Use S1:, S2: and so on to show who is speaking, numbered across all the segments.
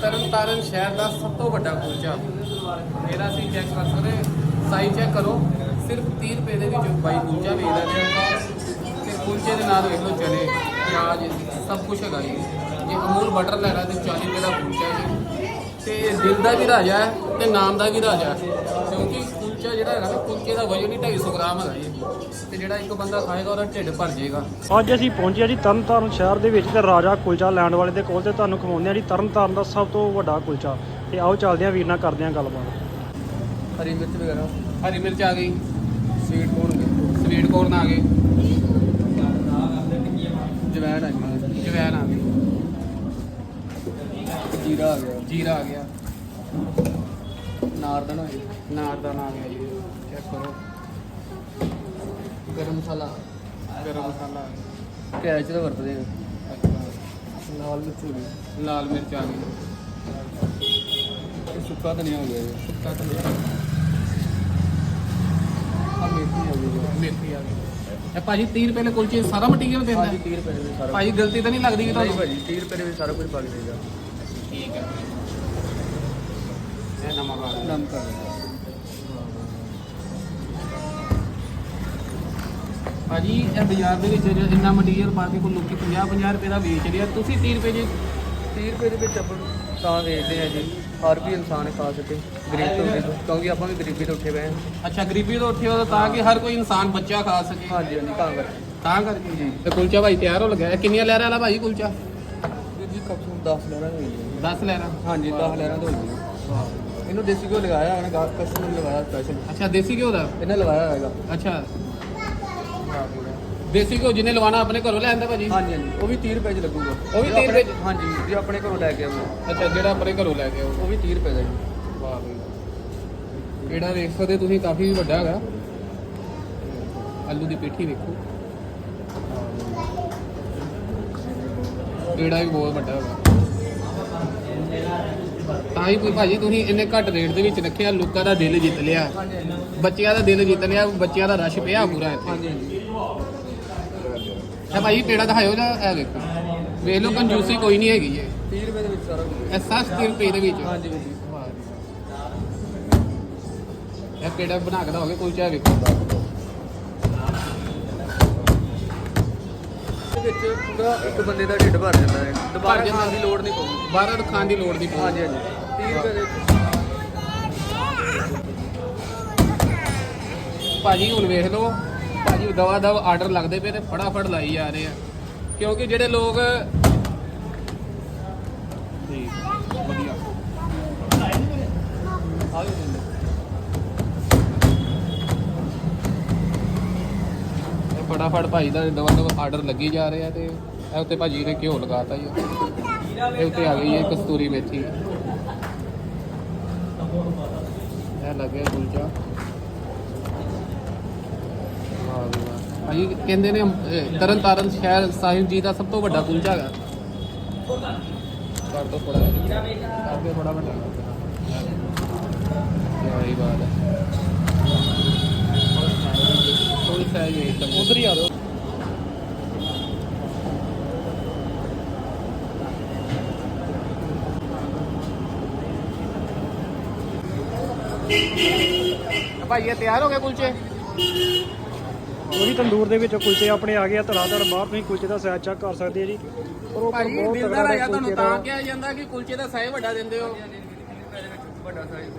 S1: ਤਰਨਤਾਰਨ ਸ਼ਹਿਰ ਦਾ ਸਭ ਤੋਂ ਵੱਡਾ ਕੁਲਚਾ ਮੇਰਾ ਸੀ ਚੈੱਕ ਕਰ ਸਕਦੇ ਸਾਈਜ਼ ਚੈੱਕ ਕਰੋ। ਸਿਰਫ 30 ਰੁਪਏ ਦੇ ਵਿੱਚ ਬਾਈ ਕੁਲਚਾ ਵੇਚਦਾ ਪਿਆ ਤੇ ਕੁਲਚੇ ਦੇ ਨਾਲ ਵੇਖ ਲਓ ਚਨੇ ਪਿਆਜ਼ ਸਭ ਕੁਝ ਹੈਗਾ ਜੀ। ਜੇ ਅਮੂਲ ਬਟਰ ਲੈਣਾ ਤੇ 40 ਰੁਪਏ ਦਾ ਕੁਲਚਾ ਜੀ ਤੇ ਦਿਲ ਦਾ ਵੀ ਰਾਜਾ ਹੈ ਤੇ ਨਾਮ ਦਾ ਵੀ ਰਾਜਾ ਹੈ ਕਿਉਂਕਿ ਕੁਲਚਾ ਜਿਹੜਾ ਹੈਗਾ ਨਾ ਕੁਲਚੇ ਦਾ ਵਜਨ ਹੀ 250 ਗ੍ਰਾਮ ਹੈਗਾ ਜੀ ਤੇ ਜਿਹੜਾ ਇੱਕ ਬੰਦਾ ਖਾਏਗਾ ਉਹਦਾ ਢਿੱਡ ਭਰ ਜਾਏਗਾ।
S2: ਅੱਜ ਅਸੀਂ ਪਹੁੰਚੇ ਜੀ ਤਰਨਤਾਰਨ ਸ਼ਹਿਰ ਦੇ ਵਿੱਚ ਤੇ ਰਾਜਾ ਕੁਲਚਾ ਲੈਣ ਵਾਲੇ ਦੇ ਕੋਲ ਤੇ ਤੁਹਾਨੂੰ ਖਵਾਉਂਦੇ ਆ ਜੀ ਤਰਨਤਾਰਨ ਦਾ ਸਭ ਤੋਂ ਵੱਡਾ ਕੁਲਚਾ। ਤੇ ਆਓ ਚੱਲਦੇ ਆ ਵੀਰ ਨਾਲ ਕਰਦੇ ਆ ਗੱਲਬਾਤ।
S1: ਹਰੀ ਮਿਰਚ ਵਗੈਰਾ ਹਰੀ ਮਿਰਚ ਆ ਗਈ, ਸਵੀਟ ਕੋਰਨ ਆ ਗਏ, ਜਵੈਣ ਆ ਗਈ, ਜੀਰਾ ਆ ਗਿਆ, ਨਾਰਦਾਨਾ ਆ ਗਿਆ ਜੀ। ਚੈੱਕ ਕਰੋ। ਗਰਮ ਮਸਾਲਾ ਪਿਆਜ਼ ਦਾ ਵਰਤਦੇ ਆ। ਲਾਲ ਮਿਰਚ ਆ ਗਈ, ਸੁੱਕਾ ਧਨੀਆ ਹੋ ਗਿਆ ਜੀ। ਮੇਥੀ ਆ ਗਈ। ਇਹ ਭਾਜੀ 30 ਰੁਪਏ ਦੇ ਕੁਲਚੇ ਸਾਰਾ ਮਟੀਰੀਅਲ ਦਿੰਦਾ?
S3: ਹਾਂਜੀ 30 ਰੁਪਏ ਦੇ ਸਾਰਾ।
S1: ਭਾਜੀ ਗਲਤੀ ਤਾਂ ਨਹੀਂ ਲੱਗਦੀ ਕਿ ਤੁਹਾਨੂੰ?
S3: ਭਾਜੀ 30 ਰੁਪਏ ਦੇ ਵਿੱਚ ਸਾਰਾ ਕੁਝ ਪਾ ਕੇ ਦੇਗਾ।
S1: ਠੀਕ ਹੈ। ਇਹ ਨਮਕ ਆ ਗਿਆ।
S3: ਨਮਕ ਆ ਗਿਆ।
S1: ਭਾਜੀ ਇਹ ਬਾਜ਼ਾਰ ਦੇ ਵਿੱਚ ਇੰਨਾ ਮਟੀਰੀਅਲ ਪਾ ਕੇ ਕੋਈ ਲੋਕੀ 50 ਰੁਪਏ ਦਾ ਵੇਚ ਰਿਹਾ, ਤੁਸੀਂ 30 ਰੁਪਏ ਜੀ
S3: 30 ਰੁਪਏ ਦੇ ਵਿੱਚ ਆਪਾਂ ਤਾਂ ਵੇਚਦੇ ਆ ਜੀ, ਹਰ ਵੀ ਇਨਸਾਨ ਖਾ ਸਕੇ ਗਰੀਬ ਤੋਂ ਗਰੀਬ, ਕਿਉਂਕਿ ਆਪਾਂ ਵੀ ਗਰੀਬੀ ਤੋਂ ਉੱਠੇ ਪਏ ਹਾਂ।
S1: ਅੱਛਾ, ਗਰੀਬੀ ਤੋਂ ਉੱਠੇ ਹੋ ਤਾਂ ਕਿ ਹਰ ਕੋਈ ਇਨਸਾਨ ਬੱਚਾ ਖਾ ਸਕੇ।
S3: ਹਾਂਜੀ
S1: ਤਾਂ ਕਰਕੇ ਜੀ। ਤੇ ਕੁਲਚਾ ਭਾਈ ਤਿਆਰ ਹੋ ਲੱਗਾ। ਇਹ ਕਿੰਨੀਆਂ ਲਹਿਰਾਂ ਵਾਲਾ ਭਾਜੀ ਕੁਲਚਾ?
S3: ਵੀਰ ਜੀ ਕਪਸੂ 10 ਲਹਿਰਾਂ ਹੋਈ ਜੀ।
S1: 10 ਲਹਿਰਾਂ?
S3: ਹਾਂਜੀ 10 ਲਹਿਰਾਂ ਤੋਂ ਹੋਈ ਜੀ। ਇਹਨੂੰ ਦੇਸੀ ਘਿਓ ਲਗਾਇਆ ਹੈ ਨਾ, ਕਸਟਮਰ ਨੇ ਲਗਾਇਆ ਸਪੈਸ਼ਲ।
S1: ਅੱਛਾ, ਦੇਸੀ ਘਿਓ ਦਾ?
S3: ਇਹਨੇ ਲਗਾਇਆ ਹੋਏਗਾ।
S1: ਅੱਛਾ, ਦੇਸੀ ਘਿਓ ਜਿਹਨੇ ਲਵਾਣਾ ਆਪਣੇ ਘਰੋਂ ਲੈ ਆਂਦਾ ਭਾਜੀ?
S3: ਹਾਂਜੀ ਉਹ ਵੀ 30 ਰੁਪਏ 'ਚ ਲੱਗੂਗਾ।
S1: ਉਹ ਵੀ 30 ਰੁਪਏ 'ਚ?
S3: ਹਾਂਜੀ, ਜੇ ਆਪਣੇ ਘਰੋਂ ਲੈ ਕੇ ਆਉਂਦੇ।
S1: ਅੱਛਾ, ਜਿਹੜਾ ਆਪਣੇ ਘਰੋਂ ਲੈ ਕੇ ਆਓ
S3: ਉਹ ਵੀ 30 ਰੁਪਏ ਦਾ ਜੀ।
S1: ਵਾਹ ਬਈ। ਕਿਹੜਾ ਵੇਖ ਸਕਦੇ ਤੁਸੀਂ, ਕਾਫੀ ਵੱਡਾ ਹੈਗਾ। ਆਲੂ ਦੀ ਪੇਠੀ ਵੇਖੋ, ਕਿਹੜਾ ਵੀ ਬਹੁਤ ਵੱਡਾ ਹੈਗਾ। ਤਾਂ ਹੀ ਕੋਈ ਭਾਜੀ ਤੁਸੀਂ ਇੰਨੇ ਘੱਟ ਰੇਟ ਦੇ ਵਿੱਚ ਰੱਖਿਆ, ਲੋਕਾਂ ਦਾ ਦਿਲ ਜਿੱਤ ਲਿਆ, ਬੱਚਿਆਂ ਦਾ ਦਿਲ ਜਿੱਤ ਲਿਆ, ਬੱਚਿਆਂ ਦਾ ਰਸ਼ ਪਿਆ ਪੂਰਾ ਇੱਥੇ।
S3: ਹਾਂਜੀ
S1: ਇਹ ਭਾਜੀ ਪੇੜਾ ਦਿਖਾਇਓ ਜਾਂ ਇਹ ਵੇਖੋ, ਵੇਖ ਲਓ ਕੰਜੂਸੀ ਕੋਈ ਨਹੀਂ ਹੈਗੀ ਹੈ।
S3: 30 ਰੁਪਏ ਦੇ ਵਿੱਚ ਸਾਰਾ ਕੁਝ।
S1: ਇਹ 60 ਰੁਪਏ ਦੇ ਵਿੱਚ?
S3: ਹਾਂਜੀ ਵੀਰ ਜੀ।
S1: ਇਹ ਪੇੜਾ ਬਣਾ ਕੇ ਦਓਗੇ ਕੁਲਚਾ ਵੇਖੋ।
S3: ਵਿੱਚ ਪੂਰਾ ਇੱਕ ਬੰਦੇ ਦਾ ਢਿੱਡ ਭਰ ਜਾਂਦਾ ਹੈ, ਦੁਬਾਰਾ ਖਾਣ ਦੀ ਲੋੜ ਨਹੀਂ ਪਊਗੀ।
S1: ਬਾਹਰ ਖਾਣ ਦੀ ਲੋੜ ਨਹੀਂ ਪਊਗੀ।
S3: ਹਾਂਜੀ 30 ਰੁਪਏ ਦੇ
S1: ਭਾਜੀ ਹੁਣ ਵੇਖ ਲਓ, ਭਾਜੀ ਦਵਾ ਦਵ ਆਰਡਰ ਲੱਗਦੇ ਪਏ ਤੇ ਫਟਾਫਟ ਲਾਈ ਜਾ ਰਹੇ ਆ, ਕਿਉਂਕਿ ਜਿਹੜੇ ਲੋਕ ਵਧੀਆ
S3: ਆ ਵੀ ਦਿੰਦੇ।
S1: ਫਟਾਫਟ ਭਾਜੀ ਦਾ ਦਵਾ ਦਵ ਆਰਡਰ ਲੱਗੀ ਜਾ ਰਹੇ ਆ। ਤੇ ਇਹ ਉੱਤੇ ਭਾਜੀ ਨੇ ਘਿਓ ਲਗਾਤਾ ਜੀ। ਇਹ ਉੱਤੇ ਆ ਗਈ ਹੈ ਕਸਤੂਰੀ ਮੇਥੀ। ਇਹ ਲੱਗਿਆ ਕੁਲਚਾ। ਵਾਹ ਜੀ ਵਾਹ। ਭਾਜੀ ਕਹਿੰਦੇ ਨੇ ਤਰਨਤਾਰਨ ਸ਼ਹਿਰ ਸਾਹਿਬ ਜੀ ਦਾ ਸਭ ਤੋਂ ਵੱਡਾ ਕੁਲਚਾ ਹੈਗਾ। ਕਰ ਦੋ ਥੋੜਾ ਕਰਕੇ ਥੋੜਾ ਵੱਡਾ ਯਾਰੀ ਬਾਤ ਹੈ। ਥੋੜੀ ਸਾਈਜ਼ ਹੈ, ਉਧਰ ਹੀ ਆ ਜਾਓ। ਭਾਈ ਇਹ ਤਿਆਰ ਹੋ ਗਏ ਕੁਲਚੇ?
S2: ਉਹਦੀ ਤੰਦੂਰ ਦੇ ਵਿੱਚ ਕੁਲਚੇ ਆਪਣੇ ਆ ਗਏ ਆ। ਧੜਾ ਬਾਹਰ ਤੁਸੀਂ ਕੁਲਚੇ ਦਾ ਸਾਈਜ਼ ਚੈੱਕ ਕਰ ਸਕਦੇ ਆ ਜੀ। ਪਰ ਉਹ
S1: ਭਾਜੀ
S2: ਬਹੁਤ
S1: ਦਿਲਦਾਰ
S2: ਤਗੜਾ
S1: ਹੈਗਾ, ਤੁਹਾਨੂੰ
S2: ਕੁਲਚੇ
S1: ਤਾਂ
S2: ਦਾ।
S1: ਕਿਹਾ ਜਾਂਦਾ ਕਿ ਕੁਲਚੇ ਦਾ ਸਾਈਜ਼ ਵੱਡਾ ਦਿੰਦੇ ਹੋ।
S3: ਵੱਡਾ ਸਾਈਜ਼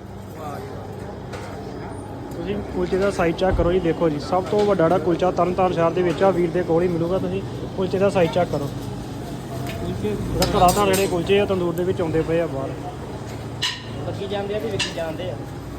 S2: ਤੁਸੀਂ ਕੁਲਚੇ ਦਾ ਸਾਈਜ਼ ਚੈੱਕ ਕਰੋ ਜੀ। ਦੇਖੋ ਜੀ, ਸਭ ਤੋਂ ਵੱਡਾ ਜਿਹੜਾ ਕੁਲਚਾ ਤਰਨਤਾਰਨ ਸ਼ਹਿਰ ਦੇ ਵਿੱਚ ਆ, ਵੀਰ ਦੇ ਕੋਲ ਹੀ ਮਿਲੂਗਾ। ਤੁਸੀਂ ਕੁਲਚੇ ਦਾ ਸਾਈਜ਼ ਚੈੱਕ ਕਰੋ। ਕੁਲਚੇ ਧੜਾ ਜਿਹੜੇ ਕੁਲਚੇ ਆ ਤੰਦੂਰ ਦੇ ਵਿੱਚ ਆਉਂਦੇ ਪਏ ਆ ਬਾਹਰ।
S3: ਬੱਕੀ ਜਾਂਦੇ ਆ ਤੇ ਵਿੱਕੀ ਜਾਂਦੇ ਆ।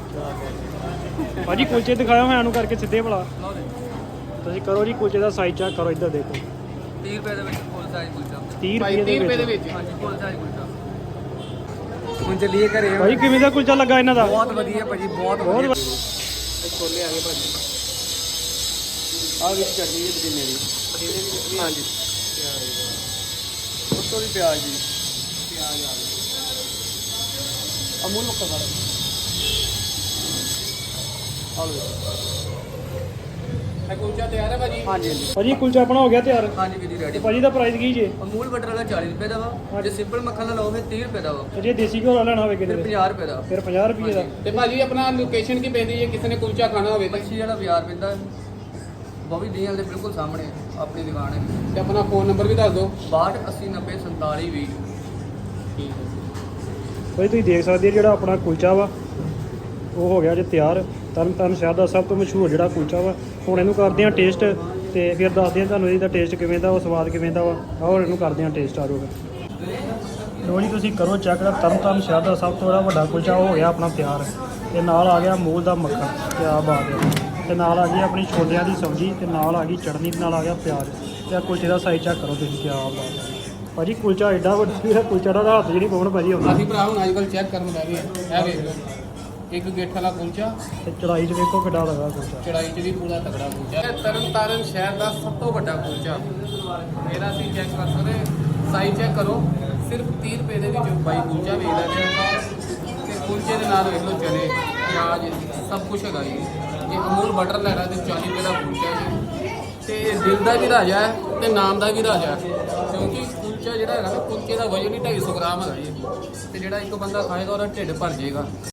S2: ਭਾਜੀ ਕੁਲਚੇ ਦਿਖਾਓ ਹਾਂ ਨੂੰ ਕਰਕੇ ਸਿੱਧੇ ਭਲਾ। ਤੁਸੀਂ ਕਰੋ ਜੀ ਕੁਲਚੇ ਦਾ ਸਾਈਜ਼ ਚੈੱਕ ਕਰੋ। ਇੱਧਰ ਦੇਖੋ
S3: 30 ਰੁਪਏ ਦੇ ਵਿੱਚ ਫੁੱਲ ਸਾਈਜ਼ ਕੁਲਚਾ।
S2: 30
S1: ਭਾਈ 30 ਰੁਪਏ ਦੇ ਵਿੱਚ?
S3: ਹਾਂਜੀ ਫੁੱਲ ਸਾਈਜ਼ ਕੁਲਚਾ। ਹੁਣ ਚੱਲੀਏ ਘਰੇ।
S2: ਭਾਜੀ ਕਿਵੇਂ ਦਾ ਕੁਲਚਾ ਲੱਗਾ ਇਹਨਾਂ ਦਾ?
S3: ਬਹੁਤ ਵਧੀਆ ਭਾਜੀ, ਬਹੁਤ ਵਧੀਆ।
S1: ਛੋਲੇ ਆ ਗਏ ਭਾਜੀ।
S3: ਆਹ ਵਿੱਚ ਚਟਨੀ ਜੀ ਪੁਦੀਨੇ ਦੀ। ਹਾਂਜੀ ਉੱਤੋਂ ਵੀ ਪਿਆਜ਼ ਜੀ।
S1: ਪਿਆਜ਼ ਆ ਗਏ।
S3: ਅਮੂਲ ਮੁੱਕਾ ਸਾਰਾ। ਆਲੂ
S1: ਇਹ ਕੁਲਚਾ ਤਿਆਰ ਹੈ ਭਾਜੀ।
S3: ਹਾਂਜੀ ਹਾਂਜੀ
S2: ਭਾਜੀ ਕੁਲਚਾ ਆਪਣਾ ਹੋ ਗਿਆ ਤਿਆਰ।
S3: ਹਾਂਜੀ ਵੀਰ ਜੀ
S2: ਤੇ
S3: ਰੈਡੀ।
S2: ਭਾਜੀ ਦਾ ਪ੍ਰਾਈਸ ਕੀ ਜੇ?
S3: ਅਮੂਲ ਬਟਰ ਵਾਲਾ 40 ਰੁਪਏ ਦਾ ਵਾ, ਜੇ ਸਿੰਪਲ ਮੱਖਣ ਦਾ ਲਓ ਫਿਰ 30 ਰੁਪਏ ਦਾ ਵਾ,
S2: ਤੇ ਜੇ ਦੇਸੀ ਘਿਓ ਵਾਲਾ ਲੈਣਾ ਹੋਵੇ ਕਿਤੇ
S3: ਫਿਰ 50 ਰੁਪਏ ਦਾ।
S2: ਫਿਰ 50 ਰੁਪਏ ਦਾ।
S1: ਤੇ ਭਾਜੀ ਆਪਣਾ ਲੋਕੇਸ਼ਨ ਕੀ ਪੈਂਦੀ ਹੈ ਕਿਸੇ ਨੇ ਕੁਲਚਾ ਖਾਣਾ ਹੋਵੇ ਤੇ
S3: ਮੱਛੀ ਵਾਲਾ ਬਾਜ਼ਾਰ ਪੈਂਦਾ ਬੋਵੀ ਡੀਐਲ ਦੇ ਬਿਲਕੁਲ ਸਾਹਮਣੇ ਆਪਣੀ ਦੁਕਾਨ ਹੈ।
S1: ਤੇ ਆਪਣਾ ਫੋਨ ਨੰਬਰ ਵੀ ਦੱਸ ਦਿਓ।
S3: 62 80 90 47 20।
S1: ਠੀਕ ਹੈ।
S2: ਭਾਜੀ ਤੁਸੀਂ ਦੇਖ ਸਕਦੇ ਹੋ ਜਿਹੜਾ ਆਪਣਾ ਕੁਲਚਾ ਵਾ ਉਹ ਹੋ ਗਿਆ ਜੇ ਤਿਆਰ। ਤਰਨਤਾਰਨ ਸ਼ਹਿਰ ਦਾ ਸਭ ਤੋਂ ਮਸ਼ਹੂਰ ਜਿਹੜਾ ਕੁਲਚਾ ਵਾ। ਹੁਣ ਇਹਨੂੰ ਕਰਦੇ ਹਾਂ ਟੇਸਟ ਤੇ ਫਿਰ ਦੱਸਦੇ ਹਾਂ ਤੁਹਾਨੂੰ ਇਹਦਾ ਟੇਸਟ ਕਿਵੇਂ ਦਾ, ਉਹ ਸਵਾਦ ਕਿਵੇਂ ਦਾ ਵਾ। ਆਓ ਇਹਨੂੰ ਕਰਦੇ ਹਾਂ ਟੇਸਟ। ਆ ਜਾਊਗਾ ਲੋ ਜੀ, ਤੁਸੀਂ ਕਰੋ ਚੈੱਕ। ਤਰਨਤਾਰਨ ਸ਼ਹਿਰ ਦਾ ਸਭ ਤੋਂ ਜਿਹੜਾ ਵੱਡਾ ਕੁਲਚਾ ਉਹ ਹੋ ਗਿਆ ਆਪਣਾ ਤਿਆਰ। ਤੇ ਨਾਲ ਆ ਗਿਆ ਅਮੂਲ ਦਾ ਮੱਖਣ, ਕਿਆ ਬਾਤ ਹੈ। ਤੇ ਨਾਲ ਆ ਗਈ ਆਪਣੀ ਛੋਲਿਆਂ ਦੀ ਸਬਜ਼ੀ, ਤੇ ਨਾਲ ਆ ਗਈ ਚਟਨੀ, ਤੇ ਨਾਲ ਆ ਗਿਆ ਪਿਆਜ਼। ਤੇ ਆ ਕੁਲਚੇ ਦਾ ਸਾਈਜ਼ ਚੈੱਕ ਕਰੋ ਤੁਸੀਂ, ਕਿਆ ਬਾਤ ਹੈ ਭਾਜੀ। ਕੁਲਚਾ ਐਡਾ ਵੱਡਾ ਜਿਹੜਾ ਕੁਲਚਾ ਦਾ ਹੱਥ ਜਿਹੜੀ ਪਾਉਣ ਭਾਜੀ ਆਉਂਦਾ।
S1: ਅਸੀਂ ਭਰਾ ਹੁਣ ਅੱਜ ਕੱਲ੍ਹ ਚੈੱਕ ਕਰਨ ਲੱਗੇ ਇਹ ਵੇਖ ਲਓ, ਇੱਕ ਗੇਠ ਵਾਲਾ ਕੁਲਚਾ,
S2: ਤੇ ਚੜਾਈ 'ਚ ਵੇਖੋ ਕਿੱਡਾ ਲੱਗਾ ਕੁਲਚਾ।
S1: ਚੜਾਈ 'ਚ ਵੀ ਪੂਰਾ ਤਕੜਾ ਕੁਲਚਾ। ਇਹ ਤਰਨਤਾਰਨ ਸ਼ਹਿਰ ਦਾ ਸਭ ਤੋਂ ਵੱਡਾ ਕੁਲਚਾ ਮੇਰਾ ਸੀ। ਚੈੱਕ ਕਰ ਸਕਦੇ, ਸਾਈਜ਼ ਚੈੱਕ ਕਰੋ। ਸਿਰਫ 30 ਰੁਪਏ ਦੇ ਵਿੱਚ ਬਾਈ ਕੁਲਚਾ ਵੇਚਦਾ ਪਿਆ। ਤੇ ਕੁਲਚੇ ਦੇ ਨਾਲ ਵੇਖ ਲਓ ਚਨੇ, ਪਿਆਜ਼, ਸਭ ਕੁਝ ਹੈਗਾ ਜੀ। ਜੇ ਅਮੂਲ ਬਟਰ ਲੈਣਾ ਤੇ 40 ਰੁਪਏ ਦਾ ਕੁਲਚਾ ਜੀ। ਤੇ ਦਿਲ ਦਾ ਵੀ ਰਾਜਾ ਹੈ ਤੇ ਨਾਮ ਦਾ ਵੀ ਰਾਜਾ ਹੈ, ਕਿਉਂਕਿ ਕੁਲਚਾ ਜਿਹੜਾ ਹੈਗਾ ਨਾ, ਕੁਲਚੇ ਦਾ ਵਜ਼ਨ ਹੀ 250 ਗ੍ਰਾਮ ਹੈਗਾ ਜੀ। ਤੇ ਜਿਹੜਾ ਇੱਕ ਬੰਦਾ ਖਾਏਗਾ ਉਹਦਾ ਢਿੱਡ ਭਰ ਜਾਏਗਾ।